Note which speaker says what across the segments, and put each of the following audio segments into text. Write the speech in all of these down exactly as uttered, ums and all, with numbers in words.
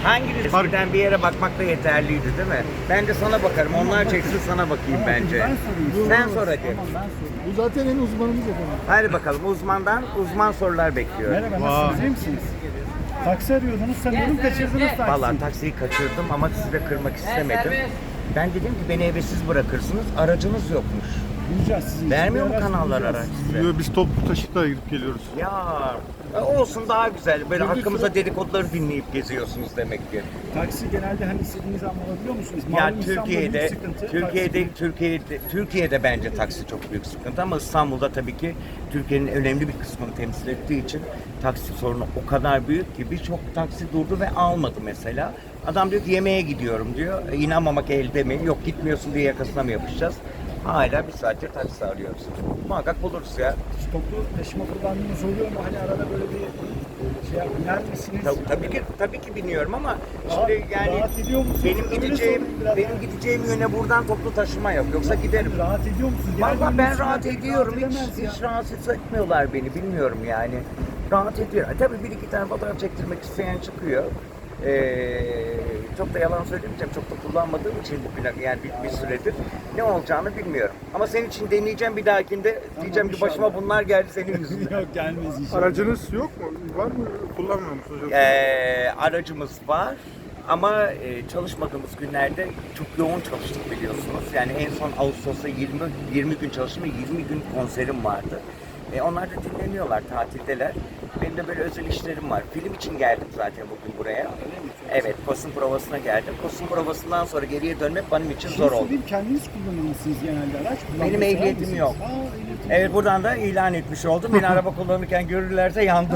Speaker 1: Hanginiz birden bir yere bakmak da yeterliydi değil mi? Ben de sana bakarım. Onlar çeksin sana bakayım
Speaker 2: Tamam,
Speaker 1: bence.
Speaker 2: Ben sorayım.
Speaker 1: Sen sor hadi.
Speaker 2: Tamam ben sorayım.
Speaker 3: Bu zaten en uzmanımız efendim.
Speaker 1: Hadi bakalım uzmandan uzman sorular bekliyorum.
Speaker 2: Merhaba nasılsınız? İyi misiniz? Taksi arıyordunuz sanıyorum kaçırdınız taksiyi.
Speaker 1: Vallahi taksiyi kaçırdım ama sizi de kırmak istemedim. Ben dedim ki beni evsiz bırakırsınız. Aracınız yokmuş.
Speaker 2: Bulacağız sizin için.
Speaker 1: Vermiyor mu
Speaker 2: Bir araç
Speaker 1: kanallar
Speaker 2: bulacağız.
Speaker 1: araç size?
Speaker 4: Yo, biz toplu taşıtla gidip geliyoruz.
Speaker 1: Ya e, olsun daha güzel. Böyle hakkımızda dedikoduları dinleyip geziyorsunuz demek ki.
Speaker 2: Taksi genelde hani istediğiniz an alabiliyor musunuz?
Speaker 1: Ya
Speaker 2: Malum İstanbul'da
Speaker 1: Türkiye'de,
Speaker 2: büyük sıkıntı.
Speaker 1: Türkiye'de,
Speaker 2: Taksi-
Speaker 1: Türkiye'de, Türkiye'de bence taksi çok büyük sıkıntı ama İstanbul'da tabii ki Türkiye'nin önemli bir kısmını temsil ettiği için taksi sorunu o kadar büyük ki birçok taksi durdu ve almadı mesela. Adam diyor ki yemeğe gidiyorum diyor. E, inanmamak elde mi? Yok gitmiyorsun diye yakasına mı yapışacağız? Hala bir saattir taksi arıyoruz. Muhakkak buluruz ya.
Speaker 2: Hiç toplu taşıma kullandığınız oluyor mu? Hani arada böyle bir şey yap- biner misiniz?
Speaker 1: Tabii, tabii ki tabii ki biniyorum ama
Speaker 2: Rahat-
Speaker 1: şimdi yani
Speaker 2: rahat ediyor musunuz?
Speaker 1: benim
Speaker 2: Öyle
Speaker 1: gideceğim
Speaker 2: sorayım biraz.
Speaker 1: benim gideceğim yöne buradan toplu taşıma yok. Yoksa giderim.
Speaker 2: Rahat ediyor musunuz?
Speaker 1: Vallahi
Speaker 2: Genelde
Speaker 1: ben
Speaker 2: insanlar
Speaker 1: rahat
Speaker 2: pek
Speaker 1: ediyorum.
Speaker 2: rahat
Speaker 1: Hiç,
Speaker 2: edemez ya.
Speaker 1: hiç rahatsız etmiyorlar beni. Bilmiyorum yani. Rahat ediyor. E, tabii bir iki tane fotoğraf çektirmek isteyen çıkıyor. Ee, çok da yalan söylemeyeceğim. Çok da kullanmadığım için bir, yani bir, bir süredir ne olacağını bilmiyorum. Ama senin için deneyeceğim bir dahakinde. Diyeceğim ki başıma
Speaker 2: inşallah.
Speaker 1: bunlar geldi senin yüzünden.
Speaker 2: Yok gelmez inşallah.
Speaker 4: Aracınız yok mu? Var mı? Kullanmıyor musunuz? Yoksa-
Speaker 1: Ee, aracımız var ama e, çalışmadığımız günlerde çok yoğun çalıştık biliyorsunuz. Yani en son Ağustos'ta yirmi, yirmi gün çalıştım ve yirmi gün konserim vardı. E, onlar da dinleniyorlar, tatildeler. Benim de böyle özel işlerim var. Film için geldim zaten bugün buraya. Evet, kostüm provasına geldim. Kostüm provasından sonra geriye dönmek benim için
Speaker 2: Şimdi
Speaker 1: zor oldu.
Speaker 2: sorayım, kendiniz kullanır mısınız genelde araç? Kullanmayı
Speaker 1: Benim
Speaker 2: sever
Speaker 1: ehliyetim
Speaker 2: misiniz?
Speaker 1: yok.
Speaker 2: Aa, ehliyetim
Speaker 1: Evet, buradan da ilan etmiş oldum. Beni araba kullanırken görürlerse yandım.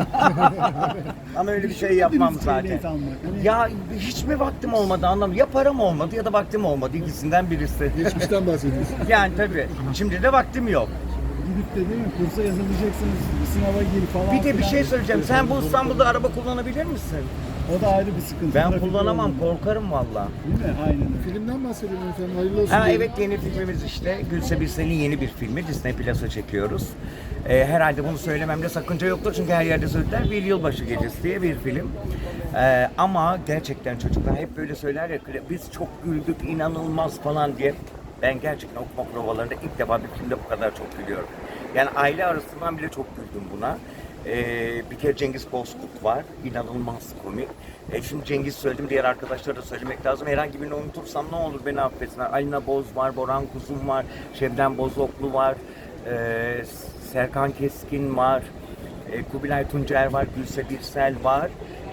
Speaker 1: Ama öyle bir şey yapmam
Speaker 2: Düşünmediniz
Speaker 1: zaten.
Speaker 2: ehliyet almak. Hani
Speaker 1: Ya hiç mi vaktim olmadı anlamı? Ya param olmadı ya da vaktim olmadı. İkisinden birisi.
Speaker 3: Geçmişten bahsediyorsun.
Speaker 1: Yani tabii. Şimdi de vaktim yok.
Speaker 2: gidip de değil mi kursa yazılacaksınız, sınava gir falan.
Speaker 1: Bir de bir
Speaker 2: filan.
Speaker 1: şey söyleyeceğim. Sen bu İstanbul'da araba kullanabilir misin?
Speaker 2: O da ayrı bir sıkıntı.
Speaker 1: Ben
Speaker 2: Trafik
Speaker 1: kullanamam.
Speaker 2: yoğunluğu.
Speaker 1: Korkarım valla.
Speaker 2: Değil mi? Aynen öyle.
Speaker 3: Filmden bahsedelim efendim. Hayırlı olsun.
Speaker 1: Ha,
Speaker 3: diyelim.
Speaker 1: evet, yeni filmimiz işte. Gülse Birsel'in yeni bir filmi. Disney Plus'a çekiyoruz. Ee, herhalde bunu söylememde sakınca yoktur çünkü her yerde söylediler. Bir Yılbaşı Gecesi diye bir film. Ee, ama gerçekten çocuklar hep böyle söyler ya, biz çok güldük, inanılmaz falan diye. Ben gerçekten okuma provalarında ilk defa bir filmde bu kadar çok gülüyorum. Yani aile arasından bile çok güldüm buna. Ee, bir kere Cengiz Bozkurt var. İnanılmaz komik. E şimdi Cengiz söyledim, diğer arkadaşlara da söylemek lazım. Herhangi birini unutursam ne olur beni affetsinler. Alina Boz var, Boran Kuzum var, Şebnem Bozoklu var, e, Serkan Keskin var, e, Kubilay Tuncer var, Gülse Birsel var.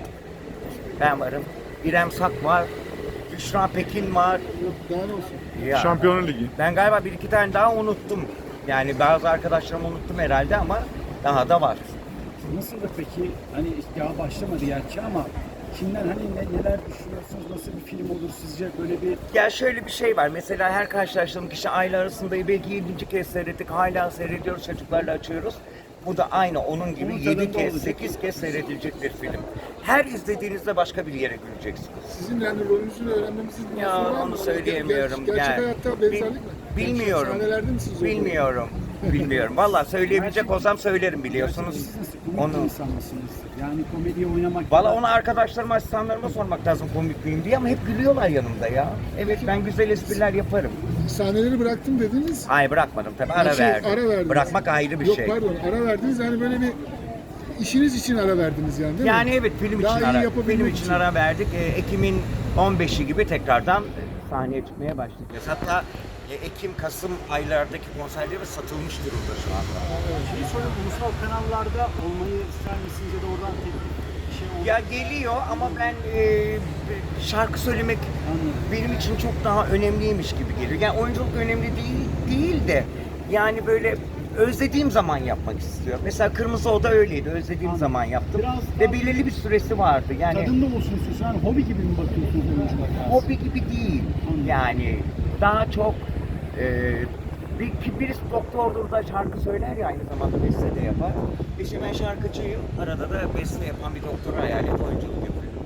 Speaker 1: Ben varım. İrem Sak var, Büşra Pekin var.
Speaker 3: Yok, daha ne olsun.
Speaker 1: Ya,
Speaker 4: Şampiyonlar Ligi.
Speaker 1: ben galiba bir iki tane daha unuttum. Yani bazı arkadaşlarımı unuttum herhalde ama daha da var.
Speaker 2: Nasıl da peki, hani daha başlamadı gerçi ama kimden hani ne, neler düşünüyorsunuz, nasıl bir film olur sizce, böyle bir
Speaker 1: Ya şöyle bir şey var. Mesela her karşılaştığım kişi aile arasında belki yedinci kez seyrettik. Hala seyrediyoruz, çocuklarla açıyoruz. Bu da aynı onun gibi
Speaker 2: Onun
Speaker 1: yedi
Speaker 2: tadında
Speaker 1: kez,
Speaker 2: olacak.
Speaker 1: sekiz kez seyredilecek bir film. Her izlediğinizde başka bir yere güleceksiniz.
Speaker 3: Sizin yani rolünüzü öğrenmemiz için
Speaker 1: Ya
Speaker 3: var mı?
Speaker 1: onu söyleyemiyorum.
Speaker 3: Ger- gerçek
Speaker 1: yani,
Speaker 3: hayatta
Speaker 1: bil-
Speaker 3: benzerlik mi?
Speaker 1: Bilmiyorum.
Speaker 3: Sahnelerde misiniz? o?
Speaker 1: Bilmiyorum. Bilmiyorum. Vallahi söyleyebilecek olsam söylerim biliyorsunuz.
Speaker 2: siz nasıl komik
Speaker 1: Onu
Speaker 2: bir insan mısınız? Yani komediye oynamak
Speaker 1: Valla
Speaker 2: kadar-
Speaker 1: onu arkadaşlarıma, asistanlarıma sormak lazım komik miyim diye ama hep gülüyorlar yanımda ya. Evet, ben güzel espriler yaparım.
Speaker 3: Sahneleri bıraktım dediniz.
Speaker 1: Hayır, bırakmadım tabii, ara
Speaker 3: Şey,
Speaker 1: verdim.
Speaker 3: ara verdiniz.
Speaker 1: Bırakmak ayrı bir
Speaker 3: Yok,
Speaker 1: şey.
Speaker 3: pardon, ara verdiniz yani böyle bir işiniz için ara verdiniz yani değil
Speaker 1: Yani
Speaker 3: mi?
Speaker 1: evet, film
Speaker 3: Daha
Speaker 1: için
Speaker 3: iyi
Speaker 1: ara,
Speaker 3: yapabilmek
Speaker 1: film için ara verdik. E, Ekim'in on beşi gibi tekrardan e, sahneye çıkmaya başlayacağız. Hatta e, Ekim, Kasım aylardaki konserlerimiz satılmış durumda şu anda.
Speaker 2: Şeyi sorayım, ulusal kanallarda olmayı ister misiniz ya da oradan teklif bir şey olur?
Speaker 1: Ya geliyor ama ben e, şarkı söylemek
Speaker 2: Anladım.
Speaker 1: benim için çok daha önemliymiş gibi geliyor. Yani oyunculuk önemli değil değil de yani böyle özlediğim zaman yapmak istiyorum. Mesela Kırmızı Oda öyleydi. Özlediğim
Speaker 2: Anladım.
Speaker 1: zaman yaptım.
Speaker 2: Biraz
Speaker 1: Ve
Speaker 2: daha-
Speaker 1: belirli bir süresi vardı. Yani
Speaker 2: Tadında olsun istiyorsun. Yani hobi gibi mi bakıyorsunuz oyunculuğa?
Speaker 1: hobi gibi değil.
Speaker 2: Anladım.
Speaker 1: Yani daha çok e, bir, birisi doktordur da şarkı söyler ya, aynı zamanda beste de yapar. İşte ben şarkıcıyım. Arada da beste yapan bir doktor hayal et, oyunculuk yapıyorum.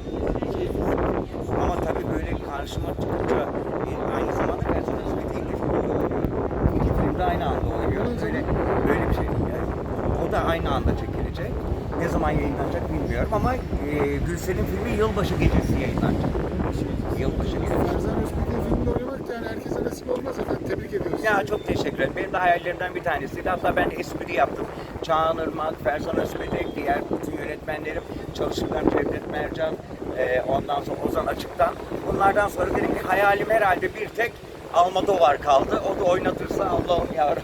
Speaker 1: Ama tabii böyle karşıma çıkınca e, aynı zamanda personel hizmetiyle film oynuyorum. İki filmde aynı anda oynuyoruz. Böyle, böyle bir şey. Yani, o da aynı anda çekilecek. Ne zaman yayınlanacak bilmiyorum ama e, Gülsel'in filmi Yılbaşı Gecesi yayınlanacak. Yılbaşı Gecesi.
Speaker 3: Ferzan Özpetek'in filminde oynamak da yani herkese nasip olmaz efendim. Tebrik ediyoruz.
Speaker 1: Ya çok teşekkür ederim. Benim de hayallerimden bir tanesiydi. Hatta ben espri yaptım. Çağan Irmak, Ferzan Özpetek, diğer bütün yönetmenlerim, çalışırlarım Cevdet Mercan, e, ondan sonra Ozan Açık'tan. Bunlardan sonra dedim ki hayalim herhalde bir tek Almodovar kaldı. O da oynatırsa Allah'ım yarabbim.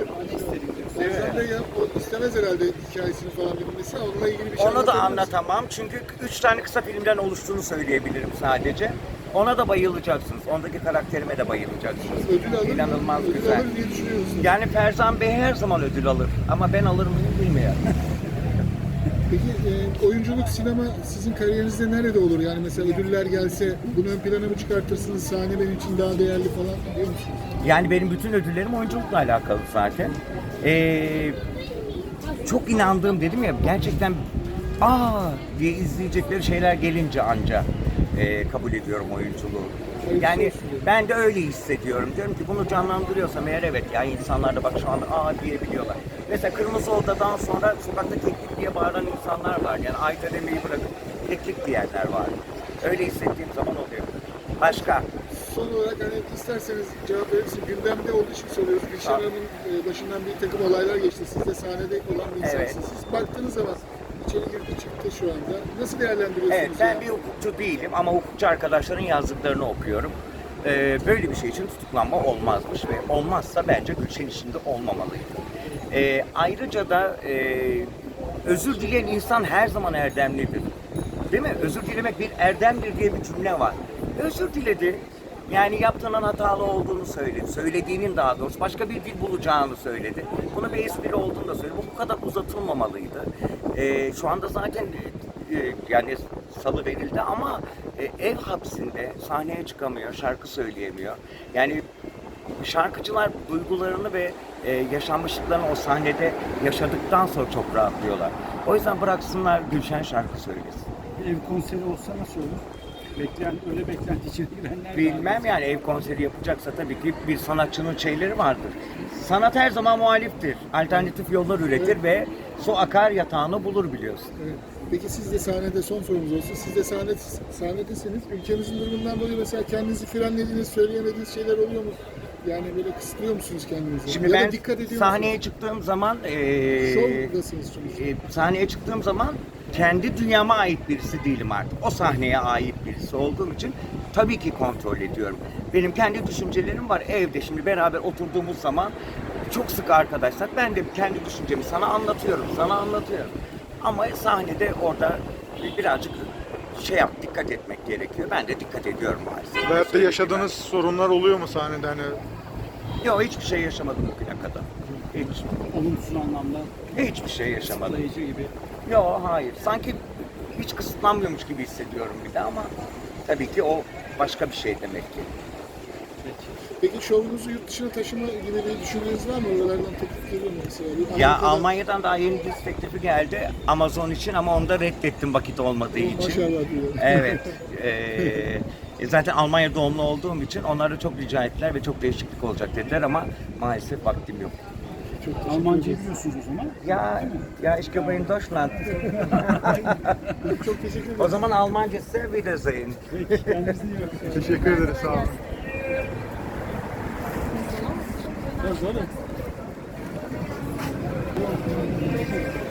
Speaker 3: Ferzan Bey ya, o istemez herhalde hikayesini falan bilmesi. Onunla ilgili bir şey
Speaker 1: Onu da
Speaker 3: anlatabilir
Speaker 1: anlatamam çünkü üç tane kısa filmden oluştuğunu söyleyebilirim sadece. Ona da bayılacaksınız. Ondaki karakterime de bayılacaksınız.
Speaker 3: misiniz? Ödül alır,
Speaker 1: İnanılmaz
Speaker 3: ödül
Speaker 1: güzel.
Speaker 3: alır diye düşünüyorsunuz.
Speaker 1: Yani Ferzan Bey her zaman ödül alır ama ben alır mıyım bilmiyorum.
Speaker 3: Peki e, oyunculuk, sinema sizin kariyerinizde nerede olur? Yani mesela ödüller gelse bunu ön plana mı çıkartırsınız? Sahne benim için daha değerli falan diyor musunuz?
Speaker 1: Yani benim bütün ödüllerim oyunculukla alakalı zaten. Ee, çok inandığım dedim ya gerçekten aa diye izleyecekleri şeyler gelince anca e, kabul ediyorum oyunculuğu. Yani ben de öyle hissediyorum. Diyorum ki bunu canlandırıyorsam eğer evet ya insanlar da bak şu anda aa diyebiliyorlar. Mesela Kırmızı Oda'dan sonra sokakta keklik diye bağıran insanlar var. Yani ayda demeyi bırakıp keklik diyenler var. Öyle hissettiğim zaman oluyor. Başka?
Speaker 3: Son olarak hani isterseniz cevap verir misiniz? Gündemde olduğu için soruyoruz. Gülşen
Speaker 1: Tabii.
Speaker 3: Hanım'ın e, başından bir takım olaylar geçti. Siz de sahnede olan bir insansınız.
Speaker 1: Evet.
Speaker 3: Siz baktığınız zaman içeri girdi çıktı şu anda. Nasıl değerlendiriyorsunuz?
Speaker 1: Evet, ben
Speaker 3: ya?
Speaker 1: bir hukukçu değilim ama hukukçu arkadaşların yazdıklarını okuyorum. Ee, böyle bir şey için tutuklanma olmazmış ve olmazsa bence Gülşen işinde olmamalıydı. Ee, ayrıca da e, özür dileyen insan her zaman erdemlidir. Değil mi? Özür dilemek bir erdemdir diye bir cümle var. Özür diledi. Yani yaptığının hatalı olduğunu söyledi. Söylediğinin daha doğrusu başka bir dil bulacağını söyledi. Bunu bir espri olduğunu da söyledi. Bu bu kadar uzatılmamalıydı. Ee, şu anda zaten e, yani salı verildi ama e, ev hapsinde sahneye çıkamıyor, şarkı söyleyemiyor. Yani şarkıcılar duygularını ve e, yaşanmışlıklarını o sahnede yaşadıktan sonra çok rahatlıyorlar. O yüzden bıraksınlar Gülşen şarkı söylesin.
Speaker 2: Bir ev konseri olsa nasıl olur? Bekleyen, öyle beklenti içine girenler var.
Speaker 1: Bilmem yani ev konseri yapacaksa tabii ki bir sanatçının şeyleri vardır. Sanat her zaman muhaliftir. Alternatif yollar üretir ve su akar yatağını bulur biliyorsun.
Speaker 3: Evet. Peki siz de sahnede son sorumuz olsun. Siz de sahne, sahnedesiniz. Ülkemizin durumundan dolayı mesela kendinizi frenlediğiniz, söyleyemediğiniz şeyler oluyor mu? Yani böyle kısıtlıyor musunuz kendinizi?
Speaker 1: Şimdi
Speaker 3: ya da
Speaker 1: ben
Speaker 3: dikkat ediyor
Speaker 1: sahneye
Speaker 3: musunuz?
Speaker 1: çıktığım zaman eee
Speaker 3: Şovdasınız sonuçta.
Speaker 1: e, sahneye çıktığım zaman kendi dünyama ait birisi değilim artık. O sahneye ait birisi olduğum için tabii ki kontrol ediyorum. Benim kendi düşüncelerim var evde. Şimdi beraber oturduğumuz zaman çok sık arkadaşlar ben de kendi düşüncemi sana anlatıyorum, sana anlatıyorum. Ama sahnede orada birazcık şey yap, dikkat etmek gerekiyor. Ben de dikkat ediyorum maalesef.
Speaker 4: Veyahut da yaşadığınız sorunlar oluyor mu sahnede hani?
Speaker 1: Yok hiçbir şey yaşamadım bugüne kadar. Hiç.
Speaker 2: Olumsuz anlamda
Speaker 1: Hiçbir şey yaşamadım.
Speaker 2: kısıtlayıcı gibi.
Speaker 1: Yok hayır. Sanki hiç kısıtlanmıyormuş gibi hissediyorum bir de ama tabii ki o başka bir şey demek ki.
Speaker 3: Peki şovunuzu yurt dışına taşıma gibi bir düşünceniz var mı? Oralardan teklif geliyor mu mesela? Bir
Speaker 1: Ya
Speaker 3: Amerika'da-
Speaker 1: Almanya'dan daha yeni dizi teklifi geldi Amazon için ama onu da reddettim vakit olmadığı için.
Speaker 3: Maşallah diyorum.
Speaker 1: Evet. Eee, zaten Almanya doğumlu olduğum için onları çok rica ettiler ve çok değişiklik olacak dediler ama maalesef vaktim yok.
Speaker 3: Çok teşekkür
Speaker 2: Almancayı
Speaker 3: ederiz.
Speaker 2: biliyorsunuz o zaman.
Speaker 1: Ya ya ich bin in Deutschland.
Speaker 3: Çok teşekkür ederim.
Speaker 1: O zaman Almancası Wiedersehen.
Speaker 2: Peki kendinize iyi bakın.
Speaker 4: Teşekkür ederiz, sağ olun.
Speaker 2: Biraz öyle.